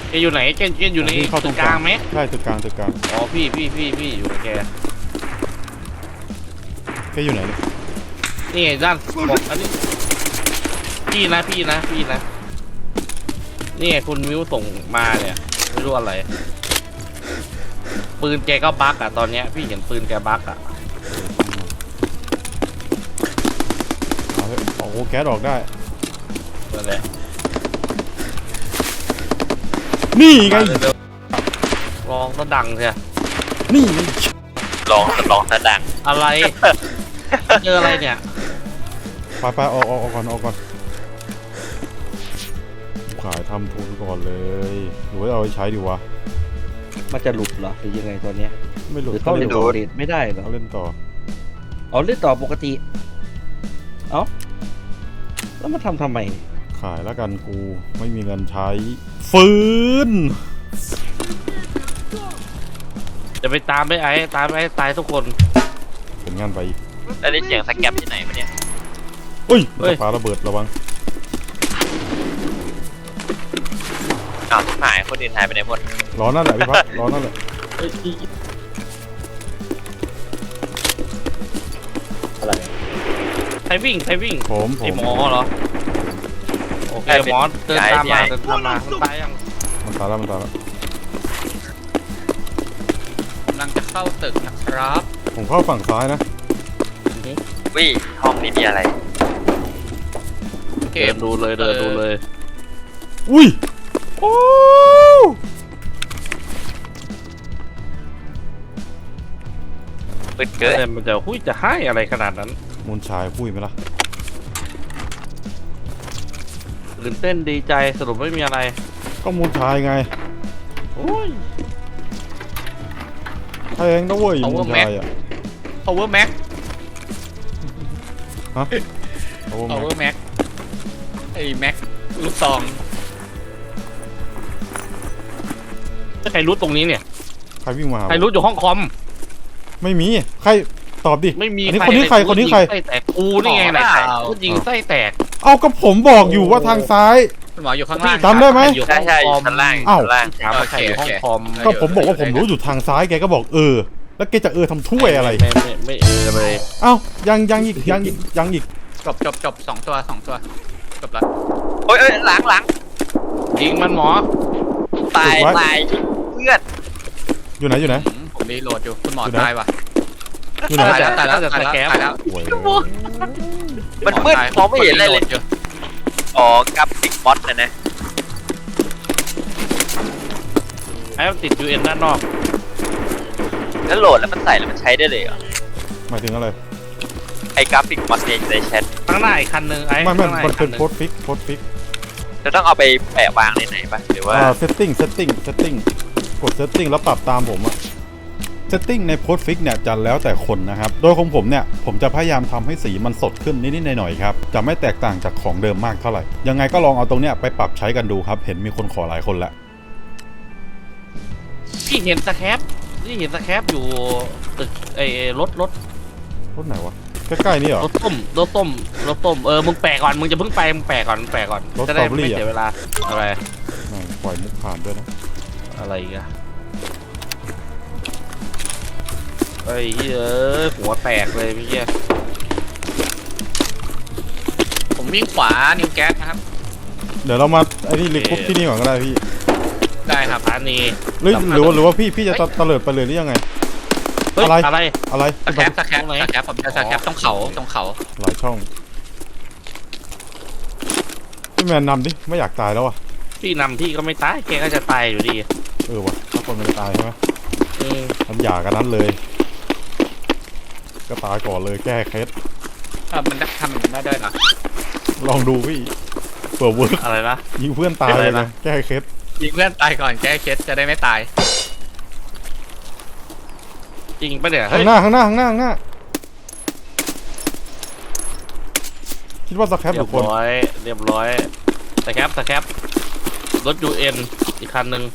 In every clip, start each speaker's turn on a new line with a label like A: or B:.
A: แกอยู่ไหนแกอยู่ในตึกกลางไหม
B: ใช่ตึกกลาง
A: อ๋อพี่อยู่กับแก
B: อยู่ไหน
A: นี่ด้านบอกอันนี้พี่นะนี่คุณมิวส่งมาเนี่ยไม่รู้อะไรปืนแกก็บั๊กอะตอนเนี้ยพี่เห็นปืนแกบั๊กอะ
B: โอ้โหแก๊สออกได้
A: นั่นแหละ
B: นี่ไง
A: ลองก็ดังใช่
B: นี่ไง
C: ลองซะดัง
A: อะไรเจออะไรเนี่ย
B: ไปออกก่อนขายทำทุนก่อนเลยหรือว่าเอาไปใช้ดีวะ
D: มันจะหลุดเหรอหรือยังไงตัวเนี้ย
B: ไม่หลุด
D: ต้องเล่นต่อไม่ได้เหรอ
B: เอาเล่นต่อ
D: เล่นต่อปกติแล้วมาทำไม
B: ขายแล้วกันกูไม่มีเงินใช้ฟื้น
A: จะไปตามไปไอ้ตายทุกคน
B: เป็นงานไปอีก
C: แล้วได้เสียงสแกปที่ไหนมาเนี่ย
B: อุ้ยปาระเบิดระวัง
C: อ้าวหายคนอื่นหายไปไหนหมด
B: ร้อนนั่นแหละพี่พัดร้อนนั่นแหละ
A: อะไรใครวิ่ง
B: ผม
A: ไอหมอเหรอโอเคหมอเดินตามมามันตายยัง
B: มันตายแล้ว
A: กำลังจะเข้าตึกนะครับ
B: ผมเข้าฝั่งซ้ายนะ
C: วิห้องนี้มีอะไร
A: เดินดูเลย
B: อุ้ยโอ้
C: ปืนเกิด
A: มันจะให้อะไรขนาดนั้น
B: มูลชายพูดไหมล่ะ
A: ตื่นเต้นดีใจสรุปไม่มีอะไร
B: ก็มูลชายไง
A: โอ้ย
B: แพงนะเว้ยมูลชายอ่ะ
A: Power Max
B: ฮะ
A: Power Max ไอ้ Max ลูกซองใครรู้ตรงนี้เนี่ย
B: ใครวิ่งมา
A: ใครรู้อยู่ห้องคอม
B: ไม่มีใครตอบดิ
A: ไม่มี
B: คนนี้ใคร
A: ไส้แตกกูนี่ไงไหนกูยิงไส้แตก
B: เอาก็ผมบอกอยู่ว่าทางซ้าย
A: หมออยู่ข้างล่าง
B: จำได้ไหม
C: ใช่ชั้นล่าง
A: ถามว่าใครอยู่ห้องคอม
B: ก็ผมบอกว่าผมรู้อยู่ทางซ้ายแกก็บอกแล้วแกจะทำถ้วยอะไร
A: ไม่เลย
B: เอ้ายังอีก
A: จบ2 ตัวจบละ
C: โอ้ยหลัง
A: ยิงมันหมอ
C: ตายเพื่อน
B: อยู่ไหน
A: ผมรีโหลดอยู่คุณหมอตายว่ะ
B: อยู่ไหน
A: ตายแล้ว
C: มันมืดมองไม่เห็นอะไรเลยอ๋อกราฟิกมอสนะ
A: ไอ้ติด UN ด้านนอก
C: แล้วโหลดแล้วมันใส่แล้วมันใช้ได้เลยเหรอ
B: หมายถึงอะไร
C: ไอ้กราฟิกมอสในแชท
A: ข้างหน้าอีกคันนึงไอ้
B: ไม่มันเป็นโพสต์ฟิก
C: จะต้องเอาไปแปะวางในไหนปะหรือว่า
B: เซตติ้งกดเซตติ้งแล้วปรับตามผมอะเซตติ้งในโพสต์ฟิกเนี่ยจะแล้วแต่คนนะครับโดยของผมเนี่ยผมจะพยายามทำให้สีมันสดขึ้นนิดๆหน่อยๆครับจะไม่แตกต่างจากของเดิมมากเท่าไหร่ยังไงก็ลองเอาตรงเนี้ยไปปรับใช้กันดูครับเห็นมีคนขอหลายคนแล้ว
A: พี่เห็นสแคปอยู่ตึกไอ้รถ
B: ไหนวะใกล้ๆนี่เหรอ
A: รถต้มมึงแปะก่อนมึงจะเพิ่งไปมึงแปะก่อนจะได้ไม่เสียเวลาอะไร
B: ปล่อยมุกผ่านด้วยนะ
A: อะไรกันไอ้หัวแตกเลยพี่ผมวิ่งขวานิวแก๊สนะครับ
B: เดี๋ยวเรามาไอ้นี่รีคุปที่นี่ก่อนก็ได้พี่
A: ได้ครับอันนี้
B: หรือว่าพี่จะตะเลิดไปเลยหรือยังไงอะไร
A: สแคปผมจะสแคปต้องเขา
B: หลายช่องพี่แมนนำดิไม่อยากตายแล้วอ่ะ
A: พี่นำพี่ก็ไม่ตายแกก็จะตายอยู่ดี
B: ว่ะถ้าคนมันจะตายใช่ไหมมันหย่ากันนั้นเลยก็ตายก่อนเลยแก้เคส
A: มันทำได้ด้วยเหรอ
B: ลองดูพี่เปิดเวิร์ก
A: อะไรนะ
B: ยิงเพื่อนตายเลยนะแก้เคส
A: ยิงเพื่อนตายก่อนแก้เคสจะได้ไม่ตายจริงปะเนี่ย
B: ข้างหน้าคิดว่าสแคปหรือคน
A: เรียบร้อยสแคปรถ UN อีกคันหนึ่ง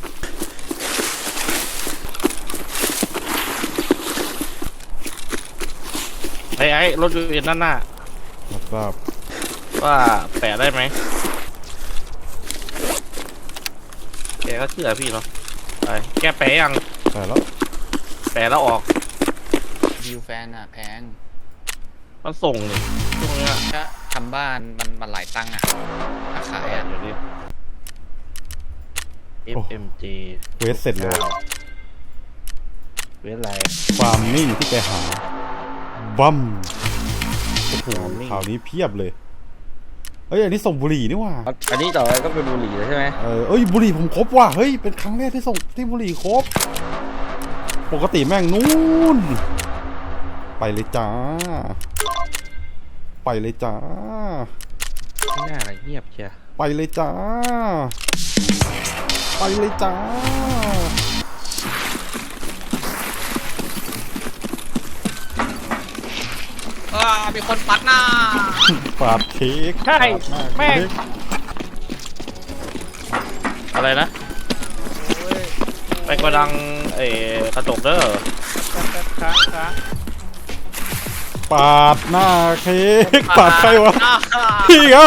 A: ไอ้รถ UN ด้านหน้า
B: ทราบ
A: ว่าแปะได้ไหมโอเคก็เชื่อพี่เนาะไปแกแปลยัง
B: แต่แล้ว
A: แปลแล้วออก
E: วิวแฟนอ่ะแพง
A: มันส่งนี่ช่วงเนี้ย
E: ก็ทำบ้านมันหลายตังค์อ่ะราคายอ่ะ
A: เดี๋ยวนี้ FMG
B: เควสเสร็จเลย
D: เว้นอะไร
B: ความนิ่งที่แกหาบัมโอ้โหข่าวนี้เพียบเลยเอ้ยอันนี้ส่งบุหรี่นี่หว่า
D: อันนี้ต่อไปก็เป็นบุหรี่แล้วใช่ไหม
B: เอ้ยบุหรี่ผมครบว่ะเฮ้ยเป็นครั้งแรกที่ส่งที่บุหรี่ครบปกติแม่งนู่นไปเลยจ้าไปเลยจ้า
D: ไม่น่าอะไรเงียบเชียว
B: ไปเลยจ้าไปเลยจ้า
E: มีคนปัดหน้า
B: ปาดเค้ก
A: ใช่
B: ปาดหน้า
A: แม่ง
B: เค้ก
A: อะไรนะไปกระดังกระจกเด้อ
B: ปาดหน้าเค้กปาดใครวะพี่เหรอ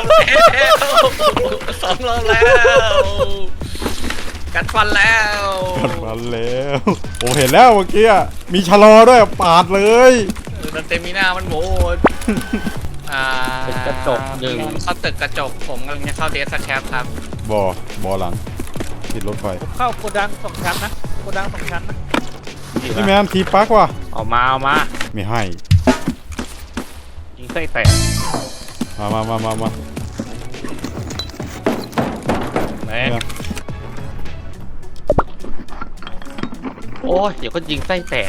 E: สองรอบแล้ว กัดฟันแล้ว
B: กัดฟันแล้วผมเห็นแล้วเมื่อกี้อะมีชะลอด้วยปาดเลย
E: มันเต็มมีหน้ามันโหด
A: ตึกกระจกหนึ่ง
E: เข้าตึกกระจกผมกำลังจะเข้าเดสแคปครับ
B: บอหลังติดรถไฟ
F: เข้าโกดัง2 ชั้นนะโกดัง2 ชั้นนะ
B: นี่แมนทีปักว่ะ
A: เอามา
B: ไม่ให้
A: ยิงไส้แตก
B: มา
A: แม่งโอ้ยเดี๋ยวก็ยิงไส้แตก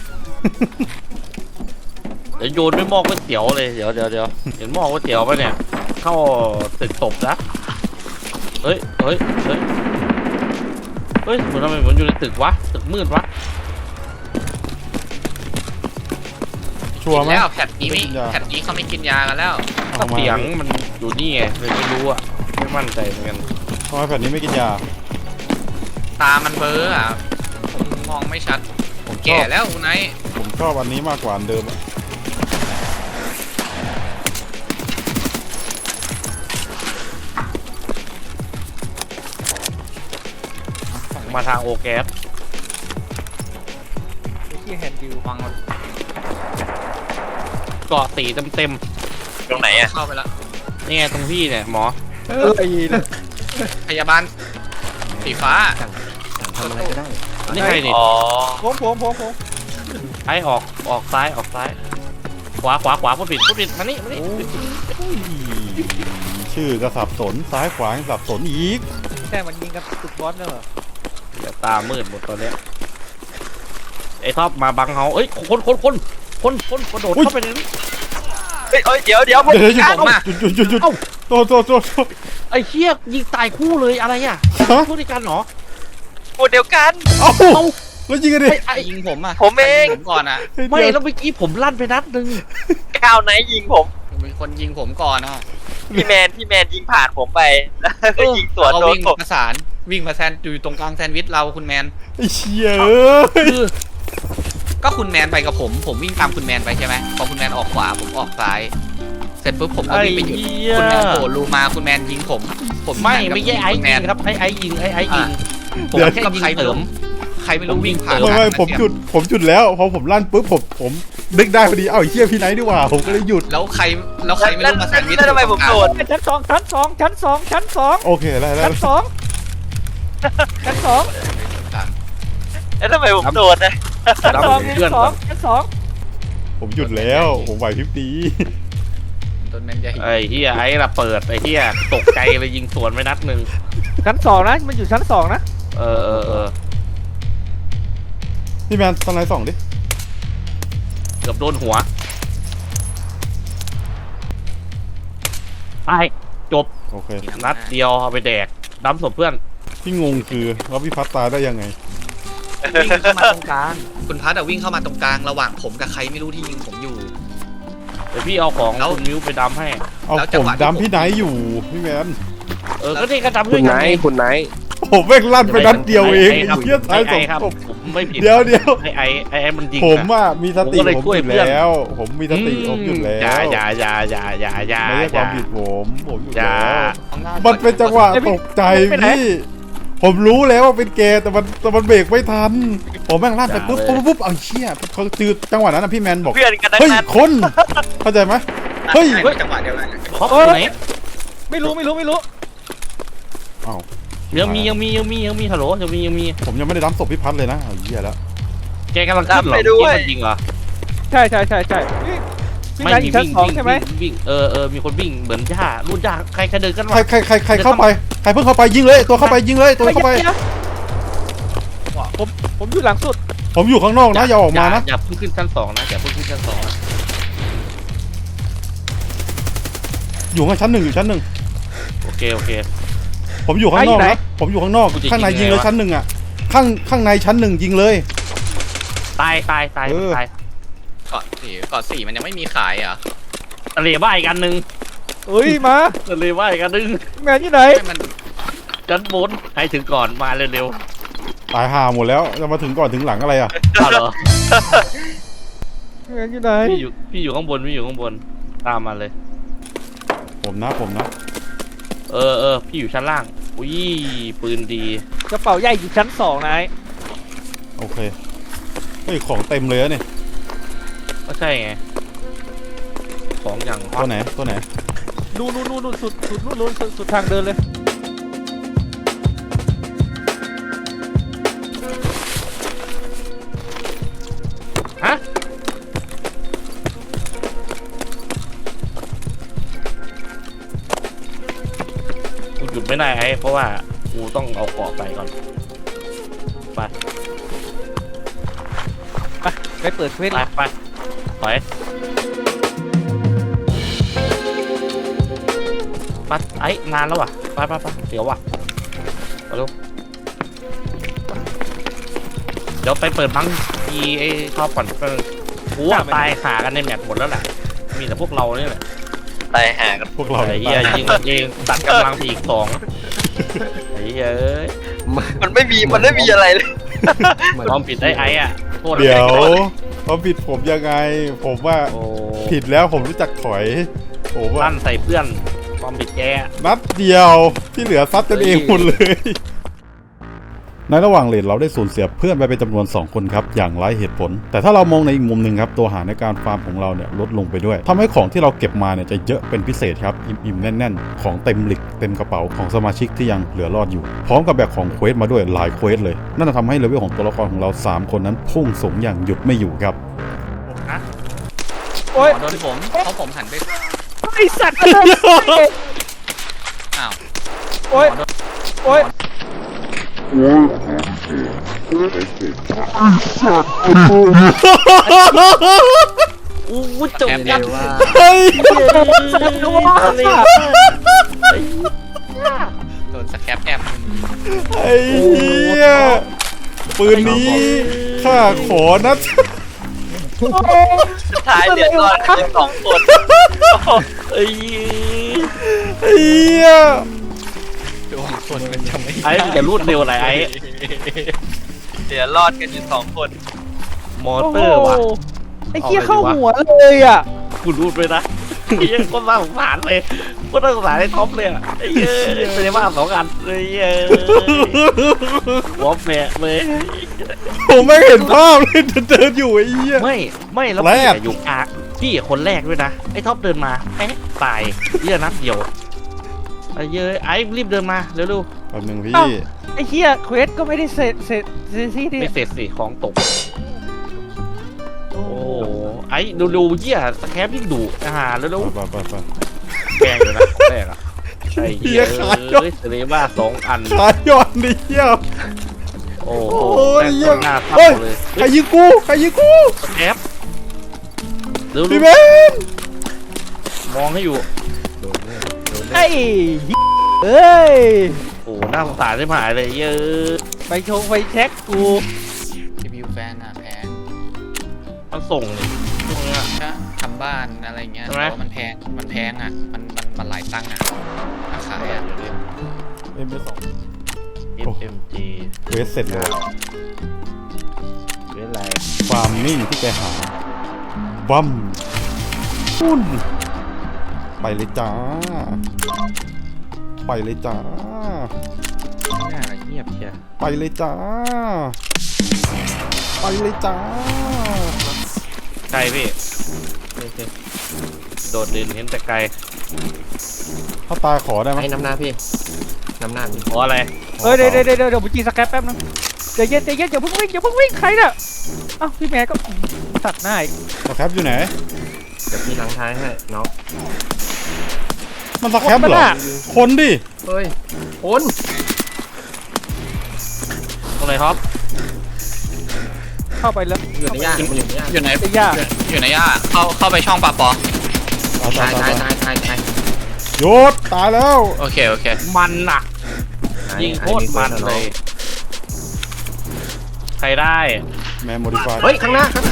A: เดี๋ยวโยนด้วยหม้อก๋วยเตี๋ยวเลยเดี๋ยวเห็นหม้อก๋วยเตี๋ยวปะเนี่ยเข้าตึกตบนะเฮ้ยเหมือนทำไมมันอยู่ในตึกวะตึกมืดวะ
B: ชัวร์ไหม
E: แล้วแพทนี้ไม่
B: ไม่กินยา
E: แพทนี้เขาไม่กินยากันแล้ว
A: ก็เสียงมันอยู่นี่ไงเลยไม่รู้อะไม่มั่นใจเหมือนกัน
B: ทำไมแผ่นนี้ไม่กินยา
E: ตามันเบลออ่ะผมมองไม่ชัด
B: ผมช
E: แก่
B: อบ
E: แล้วคุณไนท์
B: ผมชอบอันนี้มากกว่าอันเดิมอะ
A: มาทางโอแก๊ส
F: ที่แฮนดิว
E: วาง
A: เกาะสีเต็ม
C: ตรงไหนอ่ะ
E: เข้าไปแล้ว
A: ๆนี่ไงตรงพี่เนี่ยหมอ
E: พยาบาลสีฟ้า
D: ทำอะไรก็ได้
A: นี่ใครนี่
C: อ๋อ
F: ผม
A: ซ้ายออกซ้ายออกซ้าย ขวาพูดผิดมานี่
B: โอ้ยชื่อก็สับสนซ้ายขวายังสับสนอีก
F: แค่มันยิงกับตึกบอสเนี่ยเหรอ
A: เดี๋ยวตามืดหมดตอนเนี้ยไอ้ท็อปมาบังเฮาเอ้ยคนกระโดดเข้าไปในนี้
C: เฮ้ยเดี๋ยวผม
B: เดี๋ยวหยุด
E: ออกมา
B: หยุด
A: เอ้า
B: โทษ
A: ไอ้เชี่ยยิงตายคู่เลยอะไรอ่ะ
B: ฮะ
A: พูดด้วยกันเหรอ
C: พูดเดียวกัน
B: เอ้า
A: เอ้า
B: แล้วยิงกันดิ
A: ไอ้
E: ยิงผมอ่ะ
C: ผมเอง
E: ยิผมก่อนอ่ะ
A: ไม่แล้วเมื่อกี้ผมลั่นไปนัดหนึง
C: ก้าวไหนยิงผม
E: มีคนยิงผมก่อนอ่ะ
C: พี่แมนยิงผ่านผมไปแล้วก็ยิงสวน
E: เรา
C: โดน
E: วิ่ง
C: ผม
E: ประสานวิ่งมาแซนอยู่ตรงกลางแซนด์วิชเราคุณแมน
B: ไอ้เชี่ยเอ้ย
A: คือ
E: ก็คุณแมนไปกับผมวิ่งตามคุณแมนไปใช่ไหมพอคุณแมนออกขวาผมออกซ้าย เสร็จปุ๊บผมก็
A: ไอ้
E: วิ่งไปหยุด
A: เหี้ย
E: คุณแมนโผล่รูมาคุณแมนยิงผม
A: ไม่
E: หันกลับ
A: ไม่ใช่ไอ้
E: คุณแม
A: ยิง
E: น
A: ครับไอ้ยิงผม
E: ผม
A: แค่
E: กับ
A: ยิง
E: ใคร
A: เสริม
E: ใครไม่รู้วิ่งผ่าน
B: ไม่ผมหยุดแล้วพอผมลั่นปุ๊บผมนึกได้พอดีเอ้าไอ้เชี่ยพี่ไนท์ดีกว่าผมก็เลยหยุด
E: แล้วใครไม่รู้มาแซนด์วิช
C: แล้วทำไมผมโดน
F: ชั้น 2 ชั้น 2 ชั้น 2 ชั้น 2
B: โอเคได้
F: ชั้น 2 ชั้น 2
C: แล้วทำไมผมโดนนะ
F: ชั้น
A: ดำ
F: 2
A: เพื่อนก่อน
F: ชั้น
B: ผมหยุดแล้วผมไหวพริบดี
E: ต้นแมนจะ
A: ไอ้เฮียไอ้ละเปิดไอ้เฮียตกใจเลยยิงสวนไปนัดหนึ่ง
F: 2 ชั้น 2 นะ มันอยู่ชั้น 2 นะ
A: เออ
B: พี่แมนตอนไหนส่องดิ
A: เกือบโดนหัวไปจบ
B: โอเค
A: นัดเดียวเอาไปแดกดำศพเพื่อน
B: ที่งงคือว่าพี่พัดตายได้ยังไง
E: วิ่งเข้ามาตรงกลางคุณพัดวิ่งเข้ามาตรงกลางระหว่างผมกับใครไม่รู้ที่ยิงผมอยู่
A: เดี๋ยวพี่เอาของ
E: แล้ว
A: คุณมิ้วไปดำให้
B: เอา
E: แล้วจั
B: ผ
E: ง
B: ม
E: หวะที่
B: ดำพี่ไนท์อยู่พี่แมน
A: ก็นี่ก็ดำด้วยกันไง
D: คุณไนท์
B: ผมแม่งลั่นไปนัดเดียวเอง
A: ไครับ
B: เฮียตายสอง
A: ครับ
B: ศพ
A: ผมไม่ผิด
B: เดี๋ยว
A: ไอ้มันยิง
B: ผม
A: อะ
B: อ่ะมีสติ
A: ผมก็เลย
B: ผม
A: ช่วย
B: หยุด
A: เพื่อน
B: แล้ว ผมมีสติผมหยุดแล้ว
A: อย่า
B: ไม่ใช่ความผิดผมหยุด
A: อย่า
B: แล้วมันเป็นจังหวะตกใจพี่ผมรู้แล้วว่าเป็นแกแต่มันเบรกไม่ทันผมแม่งลากไปปุ๊บเอาเชี่ยเขาจืดจังหวะนั้นนะพี่แมนบอก
C: เพื่อนกันทั้
B: เฮ้ย
C: งนั้น
B: คนเข้าใจไหมเฮ้ย
E: ใช่จังหวะเดียวกัน
A: ท็อปอยู่ไหน
F: ไม่รู้
B: อ้าว
A: ยังมีฮัลโหลยังมี
B: ผมยังไม่ได้ดั้มศพพี่พัดเลยนะเอาเหี้ยแล้ว
A: แกกำลังขึ้นเหรอ
C: ไปด้วย
A: จริงเหรอ
F: ใช่นี่พี่แมนอยู่ชั้นสองใช่ไหม
A: วิ่งมีคนวิ่งเหมือนย่ารุ่นย่าใครเดินกันวะ
B: ใครเข้าไปใครเพิ่งเข้าไปยิงเลยตัวเข้าไปยิงเลยตัวเข้าไป
F: ผมอยู่หลังสุด
B: ผมอยู่ข้างนอกนะอย่าออกมานะ
A: อย่าเพิ่งขึ้นชั้น 2นะอย่าเพิ่งขึ้นชั้น 2นะ
B: อยู่ข้างชั้น 1อยู่ชั้น
A: โอเค
B: 1ผมอยู่ข้างนอกนะผมอยู่ข้างนอกข้างในยิงเลยชั้น 1อ่ะข้างในชั้น 1ยิงเลย
A: ตาย
B: เออ
A: ตาย
E: เกาะสี่มันยังไม่มีขายเหรอ
A: ทะเลบ้าอีกอันหนึ่ง
F: เอ้ยมา
A: ทะเลบ้าอีกอันหนึ่ง
F: พี่แมนอยู่ไหน
E: ให้มัน
A: ชั้นบนให้ถึงก่อนมาเร็ว
B: ตายห่าหมดแล้วจะมาถึงก่อนถึงหลังอะไรอ่ะ
A: ๆเอาเหรอ
F: พี่แมนอยู่ไหน
A: พี่อยู่ข้างบนตามมาเลย
B: ผมนะ
A: เออพี่อยู่ชั้นล่างอุ้ยปืนดี
F: กระเป๋าใหญ่อยู่ชั้นสองนาย
B: โอเคเฮ้ยของเต็มเลยอะเนี่ย
A: ก็ใช่ไงของอย่างฮอ
B: ตั
A: ต
B: วไหน
F: นู่นสุดนู่นสุดทางเดินเลย
A: ฮะกูหยุดไม่ได้ไอ้เพราะว่ากูต้องเอาเกาะไปก่อนไป
F: ไปเปิดเควส
A: ไปถอยปัดไอ้นานแล้วว่ะไปเดี๋ยวว่ะมาเร็วเดี๋ยวไปเปิดบังทีไอ้ท็อปก่อนกูว่าตายขากันในแมปหมดแล้วแหละมีแต่พวกเราเนี่ยแหละ
C: ตายหากัน
B: พวกเรา
A: ไอ้เหี้ยยิงเองตัดกำลังไปอีก2ไอ้เหี้ยเอ้ย
C: มันไม่มีอะไรเลย
A: ความผิดได้ไอ้อะโทษ
B: เดี๋ยวเขาผิดผมยังไง ผมว่า
A: โอ้
B: ผิดแล้วผมรู้จักถอยผมว่า
A: ลั่นใส่เพื่อนความผิดแก
B: นัดเดียวที่เหลือซัดกันเองหมดเลย ในระหว่างเลนเราได้สูญเสียเพื่อนไปเป็นจำนวน2คนครับอย่างไร้เหตุผล แต่ถ้าเรามองในอีกมุมหนึ่งครับตัวหาในการฟาร์มของเราเนี่ยลดลงไปด้วยทำให้ของที่เราเก็บมาเนี่ยจะเยอะเป็นพิเศษครับอิ่มๆแน่นๆของเต็มหลิกเต็มกระเป๋าของสมาชิกที่ยังเหลือรอดอยู่พร้อมกับแบกของเควสมาด้วยหลายเควสเลยนั่นจะทำให้เลเวลของตัวละครของเรา3คนนั้นพุ่งสูงอย่างหยุดไม่อยู่ครับ
F: โอ้ย
E: โดนผมเพราะผมหันไป
F: ไอสัตว์
E: อ้าว
F: โอ้ย
A: อู้จบ
E: แอม
A: ยั
E: เดี
A: ง
E: ยวว่า
B: เฮ้ย
E: โดนสแคปแอม
B: ไอ้เหี้ยปืนนี้ข้าขอนะ
C: สุดท้ายเดือดร้อนกัน2 คน
A: ไอ้
B: ไอ้เหี้ย
E: ดวงคนมันจะไม่
A: ไอ้มึงจะรูดเร็วอะไรไอ้
C: เดือดรอดกันอยู่2 คน
A: มอเตอร์ว่ะ
F: ไอ้เหี้ยเข้าหัวเลยอ่ะ
A: กูรูดไปนะไอ้เหี้ยังคนน่าสงสารเลยคนน่าสงสารไอ้ท็อปเลยอะไอ้เหี้ยเป็นยังไงบ้าง2 อันไอ้เหี้ยหัวแฝะเลย
B: ผมไม่เห็นภาพเลยเดินอยู่ไอ้เหี้ย
A: ไม่แล้ว
B: แร
A: พี่
B: ก
A: อะอยู่กลางพี่อะคนแรกด้วยนะไอ้ท็อปเดินมาแป๊ะตายเหี้ยนัดเดียวไอ้เหี้ยไอ้รีบเดินมาเร็ว
B: แป๊บนึงพี่
F: เอ้า ไอ้เหี้ยเควสก็ไม่ได้เสร็จที่
A: ๆ
F: นี่
A: ไม่เสร็จสิของตกโอ้ไอ้ดูเหี้ยสแคปยิ่งดุอาหารเร็ว
B: ไป
A: ๆแกล้งเลยนะแรกอะไอ้เหี้ยเอ้ยเสรีบ้า2 อัน
B: ขายย้อนดิเหี้ย
A: โอ้โห
B: โอ้ย
A: แม่ง
B: เหี้ย
A: หน้าทับ
B: เฮ้ย
A: เลย
B: ใครยิงกูใครยิงกู
A: สแคปเร็ว
B: พี่เบน
A: ๆมองให้อยู่
F: ไอ้เอ้ย
A: โอ้หน้าสงสารได้หายเลยเยอะ
F: ไปชงไปเช็คกู
E: รีวิวแฟนอ่ะแพง
A: มันส่งเลยพวกเนี้ย
E: ก็ทำบ้านอะไรเงี้ย
A: ใช่ไหม
E: แต่ว่ามันแพงอ่ะมันหลายตังค์อ่ะถ้าขายอ่ะ
B: M2
A: FMG
B: เวสเสร็จเลย
A: เป็นไร
B: ฟาร์มนิ่งที่แกหาบัมปุ้นไปเลยจ้า ไปเลยจ้า
D: หน้าอะไรเงียบย
B: ไปเลยจ้า ไปเลยจ้า
A: ไกลพี่
D: โอเค
A: โดดดินเห็นแต่ไกล
B: ถ้าตายขอได้ไหม
D: ให้น้ำหน้าพี่น้ำหน้าพี่
A: ขออะไร
F: เฮ้ยเดี๋ยวผมจีสแครปแป๊บนึงใจเย็นอย่าเพิ่งวิ่งใครน่ะอ้าวพี่แม่ก็ตัดหน้าอีก
B: สแครปอยู่ไหน
D: เดี๋ยวพี่ล้างท้ายให้น้อง
B: มันสแครปเหรอ คนดิ
D: เฮ้ยคน
A: ตรงไหนท็อป
F: เข้าไปแล้ว
D: อยู่ในย่ามันอยู่ในย่า
E: อยู่ไหน
F: ไอ้ย่า
E: อยู่ไหนย่าเข้าไปช่องปะปอ
B: ตาย
D: ตาย
B: ตาย
D: ตาย
B: ตาย
D: ตายตายตาย
B: หยุดตายแล้ว
E: โอเค
A: มันหนักยิงโคตรมันเลย ใครได้
B: แมนโมดิฟาย
D: เฮ้ยข้างหน้าข้างหน้า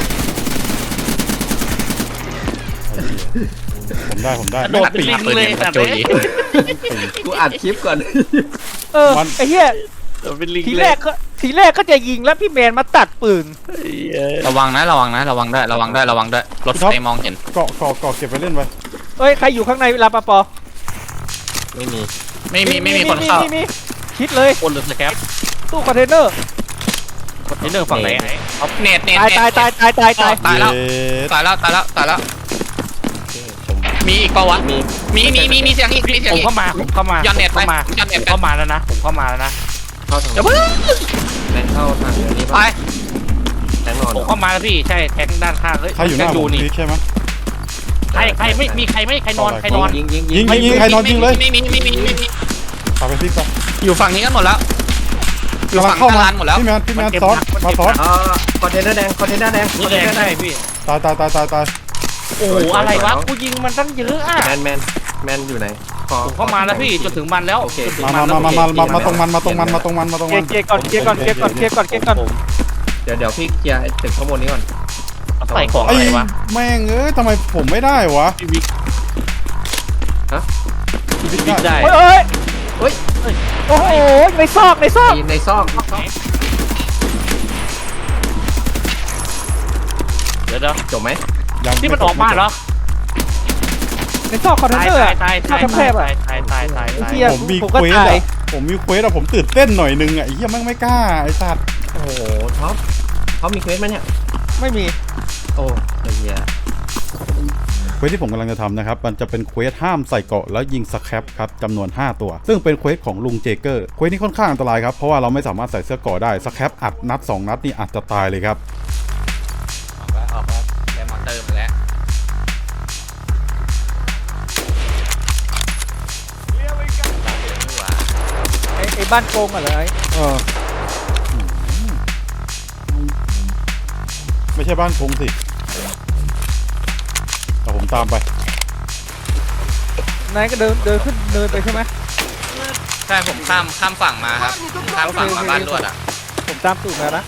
B: ผมได้
A: โดดเป็นลิงเลยสัตว์เลย
D: กูอัดคลิปก่อน
F: ไอ้เหี้ย
A: โดดเป็นลิง
F: ที
A: เล
F: แร
A: ย
F: กก็จะยิงแล้วพี่แมนมาตัดปืน
E: ระวังได้ระวังได้รถไฟมองเห็น
B: เกาะเก็บไปเล่นไป
F: เอ้ยใครอยู่ข้างในเวลาปะปอ
D: ไม่มี
E: ไม่มีคนเข้า
F: มีคิดเลย
A: คนหรือสแคป
F: ตู้คอนเทนเนอร์
A: ไอ้เรื่องฝั่งไหนไอ้
E: เน็ต
F: ตาย
E: ตายแล้ว
B: เย็ด
E: ตายแล้วมีอีกเปล่าวะมีเสียงอีกมีเสียง
A: ผม
E: อีก
A: เข้ามา
E: ย้อนเน็ตไป
A: ผมเข้ามาแล้วนะผมเข้ามาแล้วนะ
D: เข้าทาง
E: อย่าเพิ่ง
D: แทงเข้าทางอันนี้
E: ไป
D: ป่ะแทงนอน
A: ผมเข้ามาแล้วพี่ใช่แทงด้านข้างเฮ้ย
B: ใครอยู่หน้าผม
A: นี่
B: พีคใช่ไหม
A: ใครไม่มีใครใครนอน
B: ยิ
D: ยิง
B: ใครนอนยิงเลย
E: ไม่มี
B: ตามไปพีคไป
E: อยู่ฝั่งนี้กันหมดแล้วอยู่
B: กำลัง
E: ฝั่ง
B: เข้า
E: หน้า
B: มา
E: ร้านหมดแล้ว
B: พี่แมนซ้อนมาซ้อน
D: คอนเทนเนอร์แดงคอนเทนเนอร์แดง
A: นี่แดงใช่พี่
B: ตาย
A: โอ้โหอะไรวะกูยิงมันตั้งเยอะอ่ะ
D: แมนอยู่ไหน
A: ผมเข้ามาแล้วพี่จนถึงมันแล้ว
D: โอเค
A: จนถึง
B: มา
A: มันแล้ว
B: มาตรงมัน
F: เกียร์ก่อนเกียร์ก่อน
D: เดี๋ยวพี่เคลียร์ตึกข้างบนนี้ก่อน
A: ใส่ของ
B: ไอ้
A: อะไรวะ
B: แม่งเอ้ยทำไมผมไม่ได้วะ
A: พี่วิก
B: พี่บิ๊ก
A: วิก
B: ได้
A: ได้
F: เฮ้ยโอ้โหในซอก
D: ในซอก
A: เดี๋ยว
D: จบไหม
B: ยัง
A: ที่มันออกมาเหรอ
F: ในซอกคอนเทน
A: ตาย
F: เนอร์
A: ตาย
F: ซอกแคบๆอ่ะ
A: ตาย
F: เหี้ย
B: ผมมี
F: ผม
B: เค
F: ก็
B: วส
F: ตาย
B: อะผมตื่นเต้นหน่อยนึงอะไอ้เหี้ยแม่งไม่กล้าไอ้สัตว์
D: โอ้โหท็อปเขามีเควสไหมเนี่ย
F: ไม่มี
D: โอ้เฮีย
B: เควสที่ผมกำลังจะทำนะครับมันจะเป็นเควสห้ามใส่เกราะแล้วยิงสแครปครับจำนวน5ตัวซึ่งเป็นเควสของลุงเจเกอร์เควสนี้ค่อนข้างอันตรายครับเพราะว่าเราไม่สามารถใส่เสื้อเกราะได้สแครปอัดนัด2นัดนี่อาจจะตายเลยครับ
E: ออกแล้วได้มอเตอร์มาแล้ว
F: ไอ้บ้านโกงอะไร
B: เออไม่ใช่บ้านคงสิแต่ผมตามไป
F: นายก็เดินขึ้นเนินไปใช่ไหม
E: ใช่ผมข้ามฝั่งมาครับข้ามฝั่งมาบ้านลวดอ่ะ
F: ผมตามตูดมานะ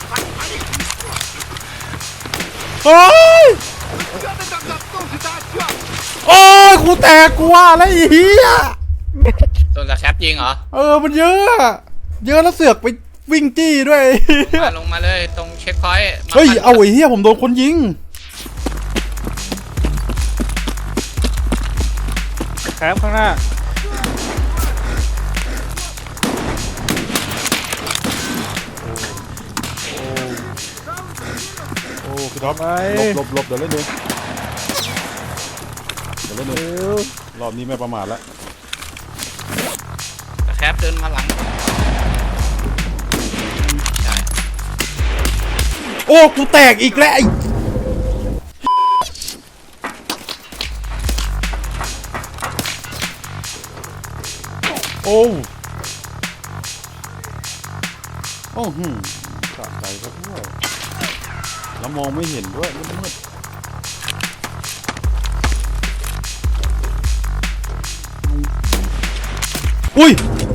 B: โอ้ยโอ้ยกูแตกกูว่าแล้วไอ้เหี้ย
E: โดนกระแคปยิงเหรอ
B: มันเยอะอะเยอะแล้วเสือกไปวิ่งจี้ด้วย
E: ลงมาเลยตรงเช็คพอยต์
B: เฮ้ยเอาไอ้เหี้ยผมโดนคนยิง
F: แคปข้างหน้า
B: โอ้คือท็อป
F: ไป
B: หลบเดี๋ยวเล่นเองรอบนี้ไม่ประมาทแล้ว
E: กระแคปเดินมาหลังใช่
B: โอ้กูแตกอีกแล้วไอ้โอ้สะใจก็ด้วยแล้วมองไม่เห็นด้วยมืดอุ้ย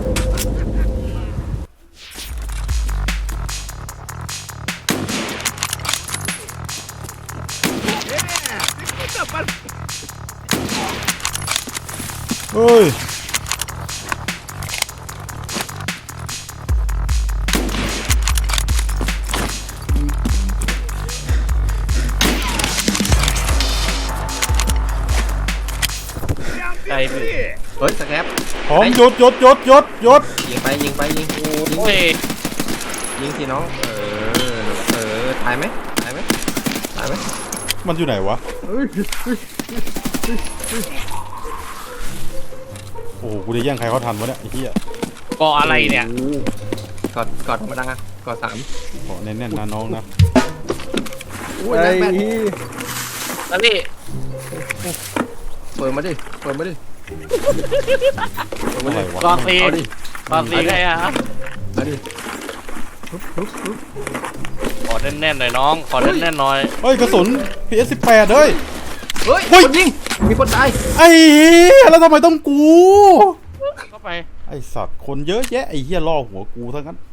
B: เฮ้ย
A: ใช่พี่
D: เฮ้ยสแครป
B: พร้อมหยุด
D: ยิงไป
A: โอ้ย
D: ยิงสิน้องตายไหมตายไหมตายไหม
B: มันอยู่ไหนวะ โอ้โหกูจะแย่งใครเขาทันวะเนี่ยไอ้เหี้ย
A: ก่ออะไรเนี่ย
D: กอดธรรมดากอด3
B: ขอแน่นๆนะน้องนะ
D: ไอ้
A: แล้วพี่
D: เปิดมาดิเปิดมาดิ
B: อะไรวะ
A: ก่อตี
D: เอาดิ
A: ก่อตีไงอะ
D: เอาดิ
A: ขอแน่นๆหน่อยน้องขอแน่นๆหน่อย
B: เฮ้ยกระสุน PS18 เฮ้ย
D: เฮ้ย
B: เฮ้ย
D: คนยิงมีคนตาย
B: ไอ้เหี้ยแล้วทำไมต้องกู
A: เข้าไป
B: ไอ้สัตว์คนเยอะแยะไอ้เหี้ยล่อหัวกูทั้งนั้น